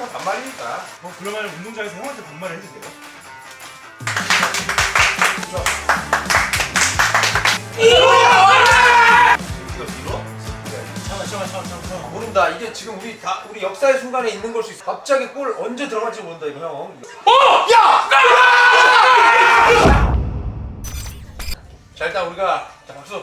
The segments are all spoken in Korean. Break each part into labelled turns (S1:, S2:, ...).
S1: 반말이니까.
S2: 그러면 운동장에서 형한테 반말을 해도 돼요?
S1: 잠깐만. 모른다. 이게 지금 우리 역사의 순간에 있는 걸 수 있어. 갑자기 골 언제 들어갈지 모른다 이거 형. 야! 자 일단 우리가 박수.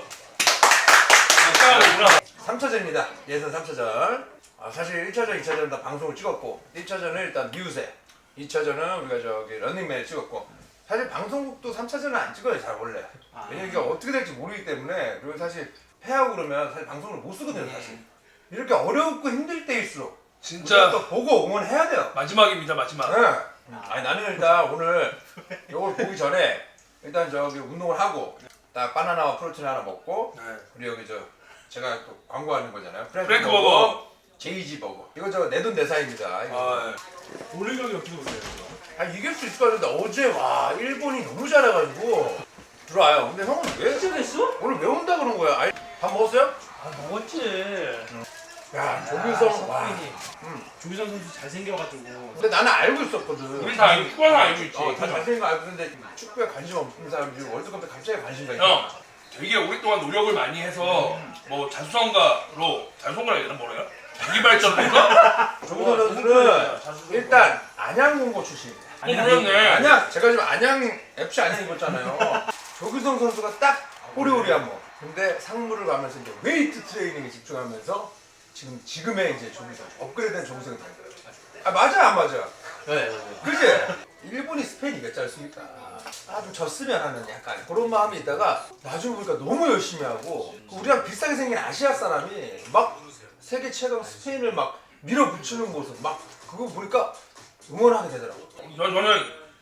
S1: 3차전입니다. 예선 3차전. 사실 1차전, 2차전 다 방송을 찍었고 1차전은 일단 미우새, 2차전은 우리가 저기 런닝맨을 찍었고 사실 방송국도 3차전은 안 찍어요 잘 원래. 왜냐면 이게 어떻게 될지 모르기 때문에. 그리고 사실 패하고 그러면 사실 방송을 못 쓰거든요 사실. 이렇게 어렵고 힘들 때일수록
S3: 진짜
S1: 또 보고 응원해야 돼요.
S3: 마지막입니다 마지막.
S1: 네. 아니 나는 일단 오늘 이걸 보기 전에 일단 저기 운동을 하고 딱 바나나와 프로틴 하나 먹고
S3: 네.
S1: 우리 여기 제가 또 광고하는 거잖아요.
S3: 프랭크 버거.
S1: 제이지 버거. 이거 저 내돈내산입니다.
S3: 아,
S2: 올림픽이 어떻게 보세요?
S1: 이길 수 있을 것 같은데 어제 와 일본이 너무 잘해가지고 들어와요. 근데 형은 왜
S4: 진짜 됐어?
S1: 오늘 왜 온다 그런 거야? 아니, 밥 먹었어요?
S4: 먹었지.
S1: 야 조규성 와.
S2: 조기성 선수 잘생겨가지고
S1: 근데 나는 알고 있었거든.
S3: 우리 다 알고 축구는 알고 있지.
S1: 다 잘생긴 거 알고 있는데 축구에 관심 없는 사람들이 월드컵 때 갑자기 관심 가니까.
S3: 형 되게 오랫동안 노력을 많이 해서 뭐 자수성가로 자수성가라 해야 되나 뭐래요? 자기 발전인가?
S1: 조규성 선수는 일단 안양공고 출신입니다.
S3: 그렇네.
S1: 안양 제가 지금 안양 FC 안양 입었잖아요. 조규성 선수가 딱 호리호리한 뭐. 근데 상무를 가면서 이제 웨이트 트레이닝에 집중하면서 지금의 이제 조규성 업그레이드된 조규성이 된 거예요. 맞아 안 맞아?
S4: 네.
S1: 그지? 일본이 스페인 이겼지 않습니까? 좀 졌으면 하는 약간 그런 마음이 있다가 나중에 보니까 너무 열심히 하고 우리랑 비슷하게 생긴 아시아 사람이 막 세계 최강 스페인을 막 밀어붙이는 모습 막 그거 보니까 응원하게 되더라고.
S3: 저는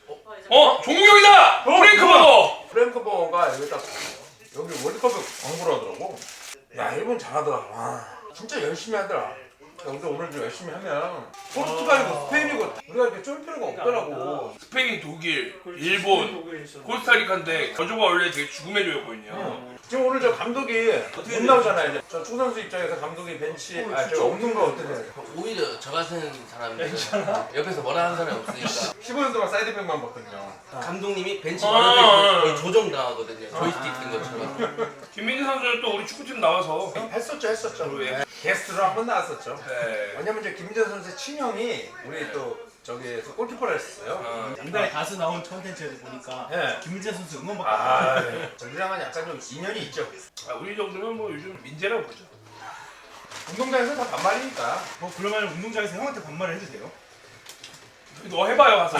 S3: 종국형이다! 프랭크 버거!
S1: 프랭크 버거가 여기 월드컵에 광고를 하더라고. 야 일본 잘하더라. 와 진짜 열심히 하더라. 근데 오늘 좀 열심히 하면 포르투갈이고 스페인이고 우리가 이렇게 쫄 필요가 없더라고.
S3: 스페인, 독일, 일본, 코스타리카인데 저조가 원래 되게 죽음의 조였거든요.
S1: 지금 오늘 저 감독이 못 나오잖아요. 이제 저 축구 선수 입장에서 감독이 벤치 저 없는 거 어떠세요?
S5: 오히려 저 같은 사람이 옆에서 뭐라 하는 사람이 없으니까
S1: 15년 동안 사이드백만 봤거든요.
S5: 감독님이 벤치 바로 옆에 거의 조정당하거든요. 조이스틱 든 것처럼.
S3: 김민재 선수는 또 우리 축구팀 나와서
S1: 했었죠.
S3: 예.
S1: 게스트로 한 번 나왔었죠.
S3: 네.
S1: 왜냐면 이제 김민재 선수의 친형이 우리 또 저기에서 골키퍼를 했었어요.
S2: 옛날에 가수 나온 컨텐츠에서 보니까
S1: 네.
S2: 김민재 선수 응원받고
S1: 우리랑은 약간 좀 인연이 있죠.
S3: 우리 정도면 뭐 요즘 민재라고 보죠.
S1: 운동장에서 다 반말이니까.
S2: 그러면 운동장에서 형한테 반말을 해도 돼요?
S3: 너 해봐요 가서.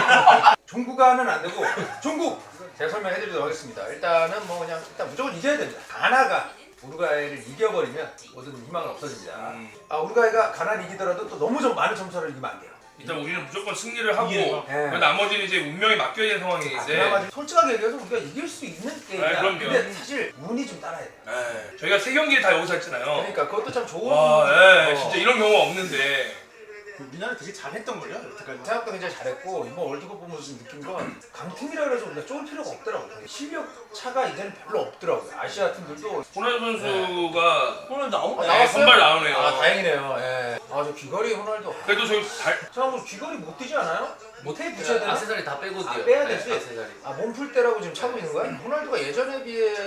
S1: 종구가는 안 되고 종국 제가 설명해드리도록 하겠습니다. 일단은 뭐 그냥 일단 무조건 이겨야 됩니다. 가나가 우루과이를 이겨버리면 모든 희망은 없어집니다. 우루과이가 가나를 이기더라도 또 너무 좀 많은 점수를 이기면 안 돼요.
S3: 일단 우리는 무조건 승리를 하고
S1: 네.
S3: 나머지는 이제 운명에 맡겨야 되는 상황인데
S1: 그나마 솔직하게 얘기해서 우리가 이길 수 있는 게임이야.
S3: 그럼요.
S1: 근데 사실 운이 좀 따라야 돼요.
S3: 네. 저희가 3경기를 다 여기서 했잖아요.
S1: 그러니까 그것도 참 좋은.
S3: 와, 진짜 이런 경우가 없는데
S2: 우리나라 되게 잘했던걸요? 여태까지
S1: 생각도 굉장히 잘했고 이번 월드컵 보면서 좀 느낀 건 강팀이라 그래서 우리가 쫄 필요가 없더라고요. 실력 차가 이제는 별로 없더라고요. 아시아 팀들도
S3: 호날두 선수가
S4: 오늘 나온 거
S1: 나왔어요?
S3: 선발 나오네요.
S1: 다행이네요. 예. 저 귀걸이 호날두.
S3: 그래도 저희
S1: 뭐 귀걸이 못 뛰지 않아요? 테이프 붙여야 되나?
S5: 액세서리 다 빼고 뛰어요.
S1: 빼야 되지?
S5: 액세서리.
S1: 몸풀 때라고 지금 차고 있는 거야? 호날두가 예전에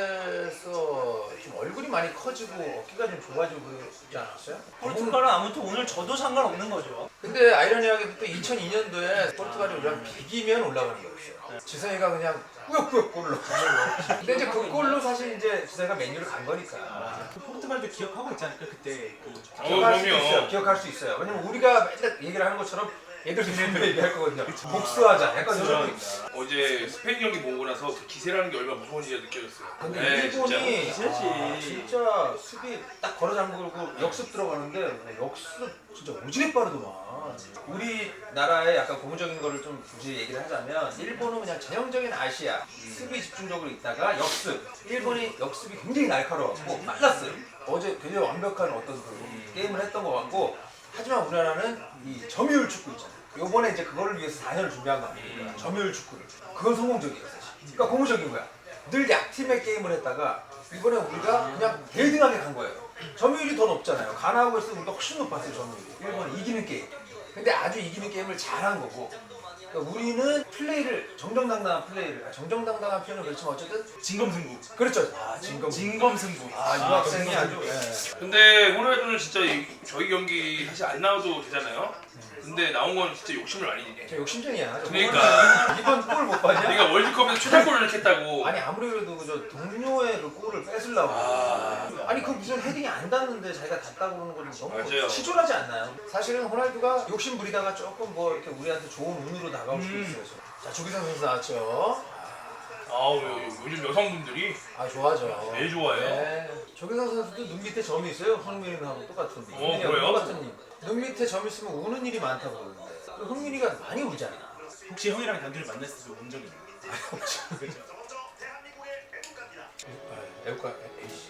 S1: 비해서 좀 얼굴이 많이 커지고 어깨가 좀 좋아지고 그러지 않았어요?
S4: 포르투갈은 아무튼 오늘 저도 상관없는 거죠.
S1: 근데 아이러니하게 또 2002년도에 포르투갈이 우리랑 비기면 올라가는 거였어요. 지성이가 그냥 꾸역꾸역 골로 넣는 거. 근데 이제 그 골로 사실 이제 지성이가 맨유를 간 거니까.
S2: 포르투갈도 기억하고 있지 않을까? 그때
S1: 기억할 수도
S3: 그럼요.
S1: 있어요. 기억할 수 있어요. 왜냐면 우리가 맨날 얘기를 하는 것처럼 얘들도 맨날 얘기할 거거든요. 복수하자. 약간 이런 거.
S3: 어제 스페인 경기 보고 나서 그 기세라는 게 얼마나 무서운지 느껴졌어요.
S1: 근데
S3: 네,
S1: 일본이
S4: 진짜.
S1: 진짜 수비 딱 걸어 잠그고 역습 들어가는데 역습 진짜 오지게 빠르더만. 우리나라의 약간 고무적인 거를 좀 굳이 얘기를 하자면 일본은 그냥 전형적인 아시아 수비 집중적으로 있다가 역습. 일본이 역습이 굉장히 날카로웠고 빨랐어요. 어제 굉장히 완벽한 어떤 그 게임을 했던 것 같고 하지만 우리나라는 이 점유율 축구 있잖아요. 요번에 이제 그거를 위해서 4년을 준비한 거 아닙니까? 점유율 축구를. 그건 성공적이에요 사실. 그러니까 고무적인 거야. 늘 약팀의 게임을 했다가 이번에 우리가 그냥 대등하게 간 거예요. 점유율이 더 높잖아요. 가나하고 있으면 우리가 훨씬 높았어요 점유율이. 일본이 이기는 게임. 근데 아주 이기는 게임을 잘한 거고. 그러니까 우리는 플레이를 정정당당한 정정당당한 표현은 그렇지만 어쨌든
S2: 진검승부.
S1: 그렇죠.
S2: 진검승부.
S1: 이 학생이 아주
S3: 근데 호날두는 진짜 저희 경기 사실 안 나와도 되잖아요. 근데 나온 건 진짜 욕심을 많이 내네.
S1: 저 욕심쟁이야.
S3: 그러니까.
S1: 이번 골 못 봤냐?
S3: 그러니까 월드컵에서 최다골을 이렇게 했다고.
S1: 아니 아무리 그래도 저 동료의 그 골을 뺏으려고. 아니 그 무슨 헤딩이 안 닿는데 자기가 닿다고 그러는 건 너무
S3: 맞아요.
S1: 치졸하지 않나요? 사실은 호날두가 욕심 부리다가 조금 뭐 이렇게 우리한테 좋은 운으로 다가올 수도 있어요. 자 조기성 선수 나왔죠.
S3: 아우 요즘 여성분들이
S1: 아 좋아져.
S3: 제일 좋아해요.
S1: 네. 조기성 선수도 눈 밑에 점이 있어요. 손흥민하고 똑같은.
S3: 그래요?
S1: 똑같은 님. 눈 밑에 점 있으면 우는 일이 많다고 그러는데 흥민이가 많이 울잖아.
S2: 혹시 형이랑 단둘이 만났을 때 운 적이 있나요? 그죠?
S1: 애국가 에이씨.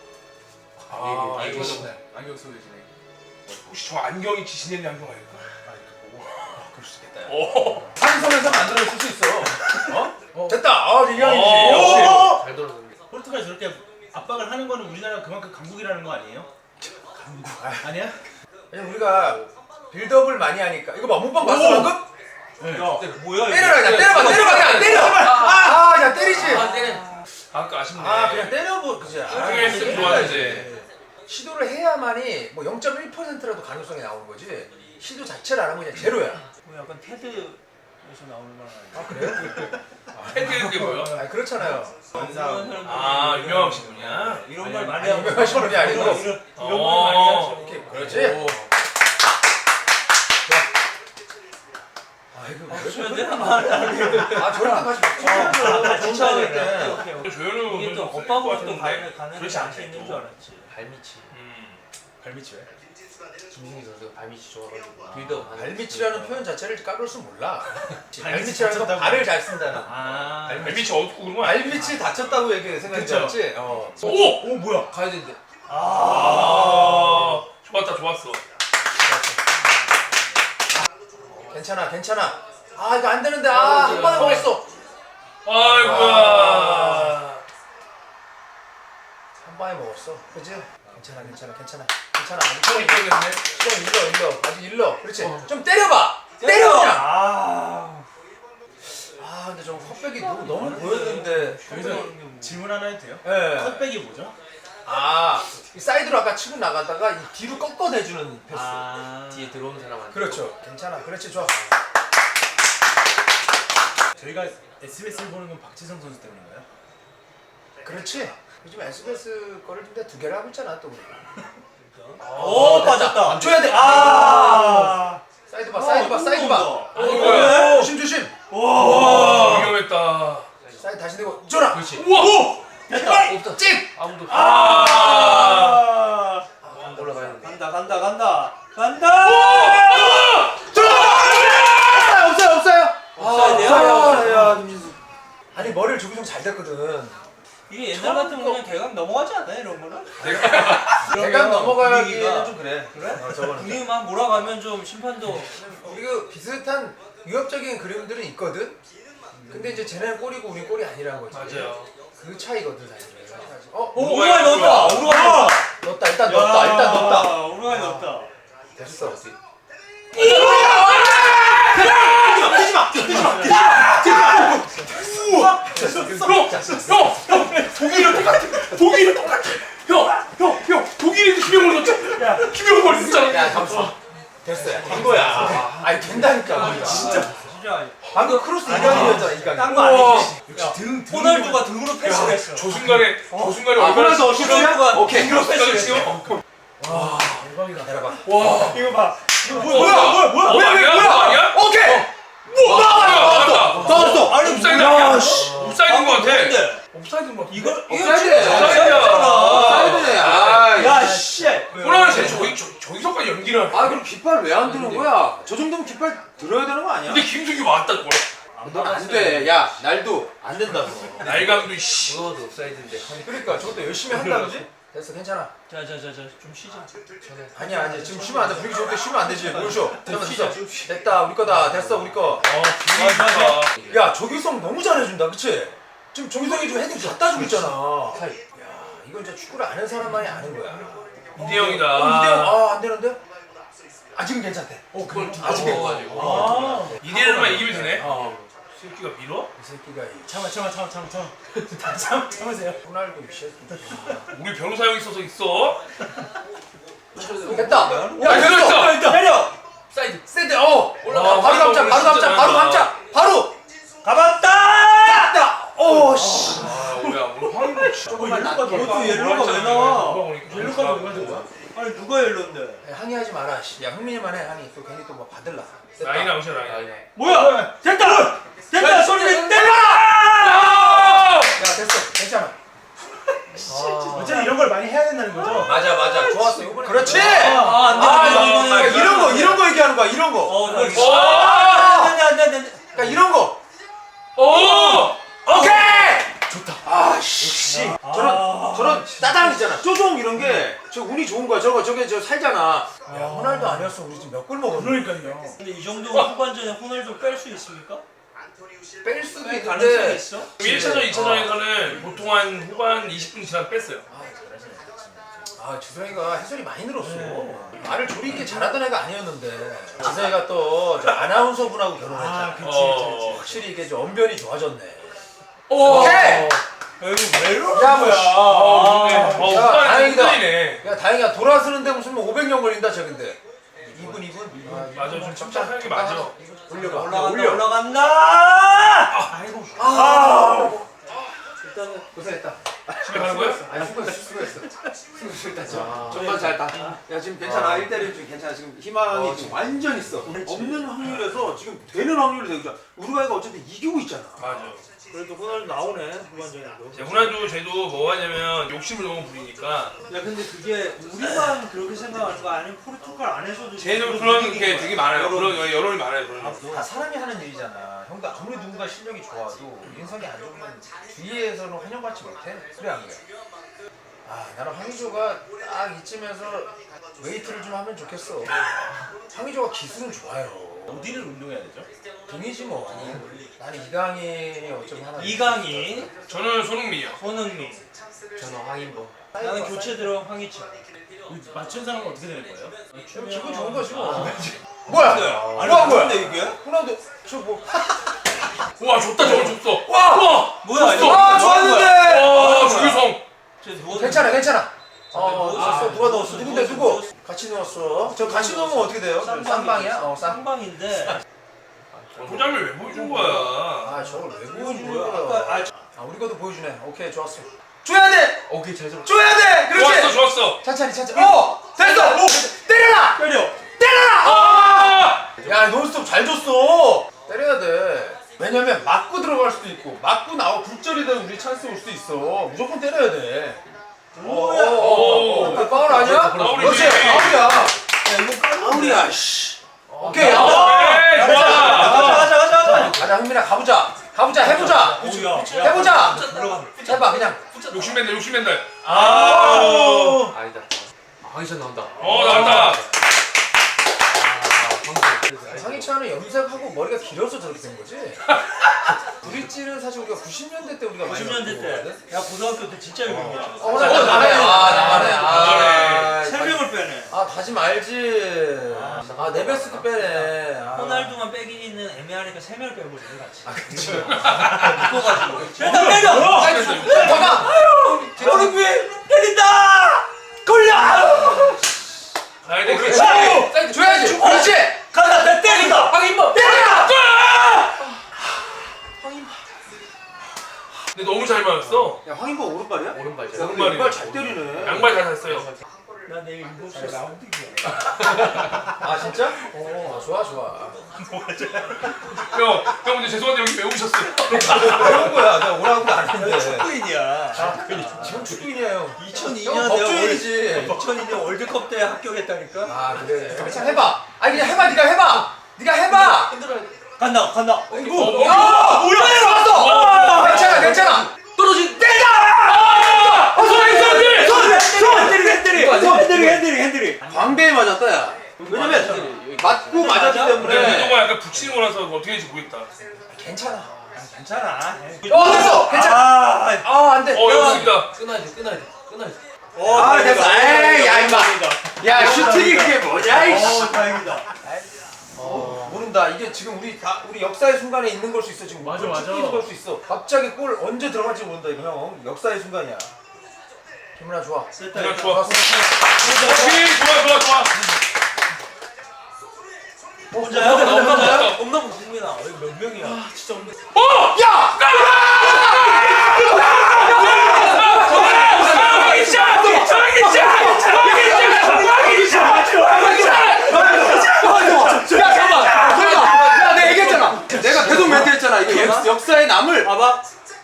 S3: 이거
S2: 안경 쓰고 계시네.
S3: 혹시 저 안경이 지신의 안경 아닐까?
S1: 그럴 수 있겠다.
S3: 오.
S1: 한손에서 만들어줄 수 있어. 어? 됐다. 아 이경이지.
S3: 오.
S1: 역시.
S5: 잘 돌아섰네.
S2: 포르투갈이 저렇게 압박을 하는 거는 우리나라가 그만큼 강국이라는 거 아니에요? 강국. 아니야?
S1: 왜냐면 우리가 빌드업을 많이 하니까 이거 봐 몸빵 봤어 방금?
S2: 네.
S4: 뭐야 이거?
S1: 때려라 그냥 때려봐 그냥 때려. 아 그냥 때리지.
S5: 아, 때려.
S3: 아까 아쉽네.
S1: 아 그냥 때려보 그지.
S3: 나중에 했으면 좋았는데.
S1: 시도를 해야만이 뭐 0.1%라도 가능성이 나오는 거지. 시도 자체를 안 하면 그냥 제로야.
S4: 뭐 약간 테드에서 나오는 말 아니야?
S1: 아 그래요?
S3: 팬들이 게 뭐야?
S1: 아 그렇잖아요.
S2: 원상.
S3: 아 유명하신 분이야?
S4: 이런 말 많이
S1: 아니,
S4: 하고
S1: 유명하신 분이 아니고.
S4: 이런 말 많이 하죠.
S1: 그렇지. 아이고
S4: 없으면 되는 말 아니야?
S1: 아 저런 거 같이
S4: 진짜
S1: 할 때.
S4: 그래. 오케이, 오케이.
S3: 조현우
S4: 이게 또
S3: 선수
S4: 오빠 보고 또
S3: 같은데.
S4: 가는
S3: 그렇지
S4: 자신
S3: 않네,
S4: 있는
S3: 또.
S4: 줄 알았지.
S5: 발밑이.
S2: 발밑이 왜?
S5: 김승희 선수가 발밑이 좋아가지고 빌드업 하는.
S1: 발밑이라는 표현 자체를 까볼 줄 몰라.
S2: 발밑이
S1: 발밑이라는 건
S2: 다쳤다고.
S1: 발을 잘 쓴다는.
S2: 아.
S3: 발밑이 어둡고 그런 거 아니야?
S1: 발밑이 다쳤다고 얘기 생각했지.
S3: 오!
S2: 오 뭐야?
S5: 가야 되는데.
S3: 아 좋았다 좋았어.
S1: 괜찮아. 아 이거 안 되는데 한 번에 먹었어.
S3: 아이고야.
S1: 한 방에 먹었어. 그지? 괜찮아.
S3: 처음 입장했네.
S1: 좀 일러. 아직 일러. 그렇지. 좀 때려봐. 때려. 그냥.
S4: 아.
S1: 아 근데 좀 컵백이 너무 보였는데.
S2: 여기서 질문 하나 해도 돼요?
S1: 예.
S2: 컷백이 뭐죠?
S1: 이 사이드로 아까 치고 나가다가 이 뒤로 꺾어내주는 패스.
S5: 뒤에 들어오는 사람한테.
S1: 그렇죠. 괜찮아. 그렇지 좋아.
S2: 저희가 SBS를 보는 건 박지성 선수 때문인가요?
S1: 그렇지. 요즘 SBS 거를 좀 두 개를 하고 있잖아 또 우리.
S4: 오 빠졌다.
S1: 줘야 돼. 사이드 봐.
S3: 이거야.
S1: 조심.
S3: 와 위험했다.
S1: 사이드 다시 내고 줘라.
S5: 그렇지.
S3: 우와.
S1: 됐다.
S5: 없다.
S1: 찍.
S5: 아무도. 올라가야 돼.
S4: 간다.
S1: 없어요.
S4: 없어야
S1: 아니 머리를 조기성 잘 됐거든.
S4: 이게 옛날 같으면 그냥 대강 넘어가지 않나 이런 거는?
S1: 대강 넘어가기에는
S4: 분위기가
S1: 좀 그래. 저거는.
S4: 분위기만 몰아가면 좀 심판도
S1: 그리고 비슷한 위협적인 그림들은 있거든. 근데 이제 쟤네는 골이고 우린 골이 아니라는 거지.
S3: 맞아요.
S1: 그 차이거든 사실.
S4: 우루과이 넣었다.
S1: 넣었다. 일단 넣었다.
S4: 우루과이 넣었다.
S1: 됐어.
S3: 독일이랑 똑같아. 형 독일이 김영걸 넣었잖아. 김영걸 넣었잖아.
S1: 야 잠시만. 됐어. 된 거야. 아니 된다니까.
S4: 진짜
S1: 방금 크로스 이강인이었잖아. 이강인.
S4: 딴거 아니지.
S2: 역시 등
S4: 호날두가 등으로 패스했어.
S3: 저 순간에 얼마나
S1: 호날두
S4: 호날두가
S1: 오케이.
S4: 등으로
S3: 생각을
S4: 패스했어.
S3: 지어?
S2: 대박이다.
S1: 내려봐.
S3: 와.
S4: 이거 봐.
S3: 뭐야? 아니야?
S1: 오케이.
S3: 나왔다.
S4: 아니
S3: 옵사이드
S4: 뭐야?
S3: 아니야? 옵사이드인 것 같아.
S4: 근데
S3: 옵사이드인 것 같아.
S4: 이거
S5: 사이드네. 아.
S4: 야 씨.
S3: 호랑이 쟤 저기서까지 연기를 하네.
S5: 그럼 깃발 왜 안 드는 거야? 저 정도면 깃발 들어야 되는 거 아니야?
S3: 근데 김숙이 왔다 뭐야?
S5: 넌안 돼. 야, 날도 안 된다고.
S3: 날강도 씨.
S5: 그거도 옵사이드인데.
S1: 그러니까 저것도 열심히 한다 그지? 됐어 괜찮아.
S4: 자좀 쉬자.
S1: 아니야 지금 쉬면 안 돼. 분위기 좋을 때 쉬면 안 되지. 뭘 쉬어? 됐어. 됐다 우리 거다. 됐어 우리 거.
S3: 분위기 좋다.
S1: 야 조기성 너무 잘해준다. 그치? 지금 조기성이 좀 헤딩 갖다 주고 있잖아. 야 이건 진짜 축구를 아는 사람만이 아는 거야.
S3: 이대영이다.
S1: 이대영 안 되는데? 아직은 괜찮대.
S5: 그걸
S1: 아직
S5: 먹어가지고.
S2: 아.
S3: 2대1만 이기면 되네.
S1: 어.
S3: 새끼가 밀어?
S1: 이 새끼가 이
S2: 참으세요.
S1: 호날두 이 새끼.
S3: 우리 변호사 형 있어서 있어.
S1: 됐다. 야
S3: 됐어.
S2: 때려.
S5: 사이드.
S1: 세대
S3: 올라가.
S1: 바로 감자 바로 감자 바로 감자 바로
S2: 가봤다.
S1: 갔다. 오 씨.
S3: 아 뭐야 오늘 황인국 진짜.
S2: 그것도 옐로가 왜 나와? 옐로 카드 왜
S3: 옐로가
S2: 가는 거야? 아니 누가 옐로인데?
S1: 항의하지 마라. 씨. 야 흥민이만 해 항의. 또 괜히 또 뭐 받을라. 됐다.
S3: 라인 아웃이야 라인.
S2: 뭐야? 됐다. 됐다. 소리 때려.
S1: 야 됐어. 괜찮아.
S2: 어쨌든 이런 걸 많이 해야 된다는 거죠?
S1: 맞아. 좋았어. 이번에. 그렇지.
S2: 안 돼.
S1: 이런 거 얘기하는 거야. 이런 거.
S2: 안돼.
S1: 그러니까 이런 거.
S3: 오!
S1: 오케이. 좋다. 아씨. 저런 따당이잖아. 쪼종 이런 게 저 운이 좋은 거야. 저게 저 살잖아. 야 호날두 아니었어. 우리 지금 몇 골 먹었는데.
S2: 그러니까요.
S4: 근데 이 정도 후반전에 호날두 뺄 수 있습니까?
S1: 뺄 수도
S4: 가능성이
S1: 있는데.
S4: 있어?
S3: 1차전, 2차전에서는 보통 한 후반 20분 지나서 뺐어요.
S1: 지성이가 해설이 많이 늘었어. 말을 조리 있게 잘하던 애가 아니었는데. 지성이가 또 저 아나운서 분하고 결혼했잖아.
S3: 그치.
S1: 확실히 이게 좀 언변이 좋아졌네.
S3: 오!
S1: 오케이.
S2: 이거 왜 이러는
S1: 야, 뭐,
S2: 거야?
S1: 야, 다행이다.
S3: 다행이네.
S1: 야 다행이야. 돌아서는데 무슨 뭐 500년 걸린다 저긴데. 2분.
S3: 맞아, 좀 침착하게 맞아.
S1: 올려가.
S2: 올라간다. 아이고.
S1: 일단은 고생했다.
S3: 집에 가는 거야?
S1: 아니 수고했어. 정말 잘다. 야 지금 괜찮아. 1대1 지금 괜찮아. 지금 희망이 지금 완전 있어. 없는 확률에서 지금 되는 확률이 되고 있잖아. 우루과이가 어쨌든 이기고 있잖아.
S3: 맞아.
S4: 그래도 호날두 나오네 후반전에도.
S3: 이제 호날두 쟤도 뭐 하냐면 욕심을 너무 부리니까
S4: 야 근데 그게 우리만 그렇게 생각하는 거 아니면 포르투갈 안에서도
S3: 쟤도 그런 게 되게 많아요. 그런 여론이 많아요. 그런 거.
S1: 다 사람이 하는 일이잖아. 형도 아무리 누군가 실력이 좋아도 인성이 안 좋으면 주위에서는 환영받지 못해. 그래 안 그래? 나는 황의조가 딱 이쯤에서 웨이트를 좀 하면 좋겠어. 황의조가 기술은 좋아요.
S2: 어디를 운동해야 되죠?
S1: 등이지 뭐. 나는 이강인이 어쩌면 하나.
S4: 이강인,
S3: 저는 손흥민이요.
S4: 손흥민.
S5: 저는 황인범.
S4: 나는 교체 들어간 황희찬.
S2: 맞춘 사람은 어떻게 되는 거예요?
S1: 기분 좋은 거지 뭐. 뭐야? 뭐야?
S2: 이게?
S1: 호날두 저뭐
S3: 와 좋다 저거 줬어.
S1: 와!
S4: 뭐야
S3: 줬어.
S1: 와 좋았는데.
S3: 와 주유성.
S1: 괜찮아.
S4: 넣었어.
S1: 누가 넣었어? 누군데 누구? 같이 넣었어. 저 같이 넣으면 어떻게 돼요? 쌍방이야?
S4: 쌍방인데.
S3: 도장을 왜 보여준 거야?
S1: 저걸 왜 보여주는
S4: 뭐야?
S1: 거야? 우리 것도 보여주네. 오케이 좋았어. 줘야 돼.
S5: 오케이 잘 잡았어.
S1: 줘야 돼. 그렇지.
S3: 좋았어.
S1: 천천히. 됐어. 때려라.
S3: 아!
S1: 야 논스톱 잘 줬어. 때려야 돼. 왜냐면 맞고 들어갈 수도 있고 맞고 나와 굴절이 되면 우리 찬스 올 수도 있어. 무조건 때려야 돼.
S3: 오.
S1: 파울 아니야?
S3: 파울이지.
S1: 그렇지. 파울이야.
S2: 야 이거
S1: 파울이야. 씨. 오케이.
S3: 오케이 좋아.
S1: 가자 흥민아 가보자. 해보자. 해보자. 해봐 그냥.
S3: 욕심낸다.
S5: 아니다. 황희찬 나온다.
S3: 나온다.
S1: 상희찬은 염색하고 머리가 길어서 저렇게 된 거지. 브릿지는 사실 우리가 90년대 때 우리가 많이
S4: 90년대 때. 야 고등학교 때 진짜 유명했지.
S1: 나가네.
S4: 세 명을 빼네.
S1: 가지 말지. 네베스도 빼네.
S4: 호날두만 빼기는 애매하니까 세 명을 빼버리네 같이.
S1: 그치.
S4: 묶어가지고.
S1: 일단 때려. 잠깐.
S2: 오른비 때린다. 걸려.
S3: 가야 돼. 그렇지.
S1: 줘야지. 그렇지.
S2: 간다. 내 때린다.
S5: 황인범.
S3: 근데 너무 잘 맞았어.
S1: 야 황인범 오른발이야?
S5: 오른발이죠.
S1: 오른발 잘 때리네.
S3: 양발 잘 샀어요.
S4: 나 내일 7시에 라운딩이야.
S1: 진짜? 좋아.
S3: 형 근데 죄송한데 여기 왜 오셨어요?
S1: 그런 거야. 내가 오라고 안 했는데.
S2: 축구인이야.
S1: 지금 축구인이야 형.
S4: 2002년
S1: 법조인이지.
S4: 2002년 월드컵 때 합격했다니까.
S1: 그래. 괜찮아 해봐. 그냥 해봐. 네가 해봐.
S4: 간다.
S1: 이거. 뭐야? 좋았어. 괜찮아.
S5: 떨어진.
S4: 핸들이.
S1: 광배에 맞았다 야. 왜냐면 맞고 맞았기
S3: 근데
S1: 때문에.
S3: 유도가 약간 붙이는 거라서 어떻게 될지 모르겠다.
S1: 괜찮아.
S4: 괜찮아.
S1: 됐어. 괜찮아. 안 돼.
S3: 여기입니다.
S5: 끊어야 돼.
S1: 됐어. 야 임마. 야 슈팅이 그게 뭐냐 이씨.
S4: 다행이다.
S1: 모른다. 이게 지금 우리 역사의 순간에 있는 걸 수 있어 지금.
S2: 맞아, 맞아.
S1: 축구도 걸 수 있어. 갑자기 골 언제 들어갈지 모른다 이거 형. 역사의 순간이야. 김은아 좋아.
S4: 됐다.
S3: 그냥
S4: 이거.
S3: 좋아. 오케이 좋아.
S4: 혼자야?
S3: 혼자야?
S4: 없나 국민아. 여기 몇 명이야?
S1: 야 내가 얘기했잖아. 내가 계속 멘트했잖아. 이거 역사에 남을.
S4: 봐봐.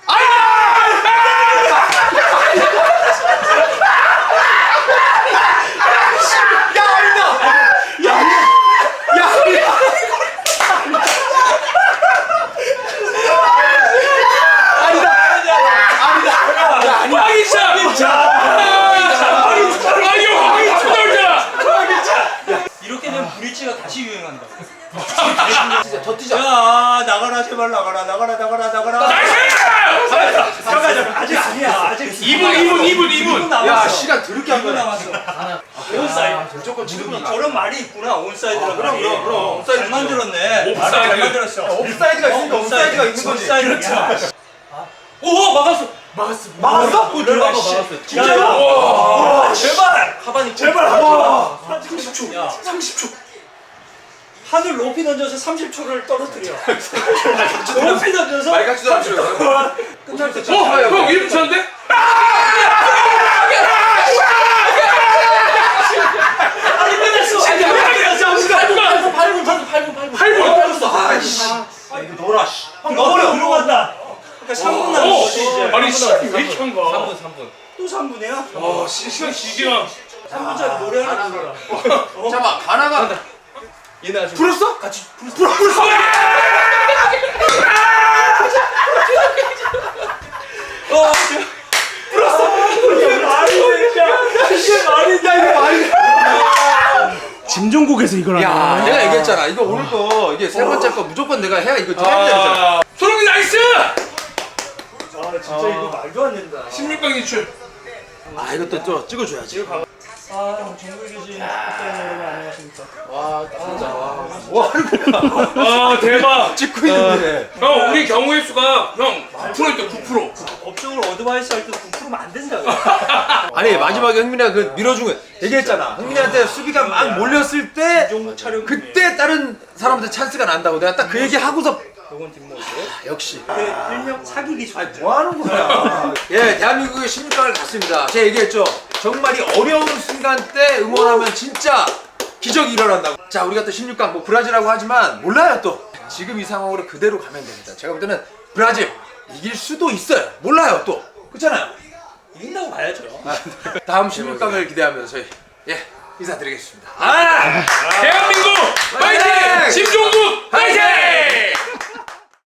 S4: 이렇게 되면 브릿지가 다시 유행한다.
S1: 진짜 더 뛰자.
S4: 야 나가라 제발 나가라. 잠깐 아직 아니야. 아직
S3: 2분.
S4: 남았어.
S1: 야 시간 더럽게 한
S4: 2분
S1: 거야.
S4: 남았어. 온사이드.
S1: 무조건 지금
S4: 저런 말이 있구나. 온사이드라고.
S1: 그럼. 옵사이드
S4: 잘 만들었네.
S3: 옵사이드.
S4: 말을 잘 만들었어.
S1: 옵사이드가 있으니까 옵사이드가 있는 거지.
S4: 옵사이드. 그렇죠. 오 막았어. 막았어? 오 들어가. 진짜로? 와 제발.
S5: 하반이
S4: 제발 하지 마.
S1: 30초.
S4: 야.
S1: 30초.
S4: 하늘 높이 던져서 30초를 떨어뜨려. 높이 던져서
S1: 말 같지도 않죠. 끝날 때
S3: 형 이름 쳤는데?
S4: 아니 끝났어.
S5: 8분.
S1: 아이씨. 아 이거 놀아 씨.
S4: 너버려 들어간다. 그러니까 3분 남은 거지 이제.
S3: 아니 시간이 왜 이렇게 한 거야?
S5: 3분.
S4: 또 3분이야?
S3: 와 시간 길게 가.
S4: 3분짜리 노래 하나 불러라.
S1: 잠깐만 가나가
S5: 얘네 아직
S1: 불었어? 같이 불었어.
S4: 이게 말이 되냐? 이게 말이 돼? 이거 말이 돼? 짐종국에서 이걸
S1: 야 내가 얘기했잖아. 이거 오늘 거 이게 세 번째 거 무조건 내가 해야 이거 해야 되잖아.
S3: 소름이 나이스!
S4: 아 진짜 이거 말도 안 된다.
S3: 16강 진출.
S1: 아 이것도 또 찍어줘야지.
S4: 아 정글 계신 축구팬 여러분 안녕하십니까?
S5: 와 진짜 와.
S1: 뭐 하는 거야?
S3: 와 대박.
S1: 찍고 있는데.
S3: 형 우리 경우의 수가 형 9%였대 9%.
S4: 법적으로 어드바이스 할 때도 9%면 안 된다고.
S1: 아니 마지막에 흥민이가 그 밀어준 거 얘기했잖아. 흥민이한테 수비가 막 몰렸을 때
S4: 종국 촬영
S1: 그때 다른 사람한테 찬스가 난다고 내가 딱 그 얘기 하고서
S4: 요건 뒷모습.
S1: 역시.
S4: 일명 사기 기술.
S1: 아니 뭐 하는 거야? 예, 대한민국의 16강을 갔습니다. 제가 얘기했죠. 정말 이 어려운 순간 때 응원하면 진짜 기적이 일어난다고. 자, 우리가 또 16강 뭐 브라질이라고 하지만 몰라요 또. 지금 이 상황으로 그대로 가면 됩니다. 제가 볼 때는 브라질 이길 수도 있어요. 몰라요 또. 그렇잖아요.
S4: 이긴다고 봐야죠.
S1: 다음 16강을 기대하면서 저희 인사드리겠습니다.
S3: 대박!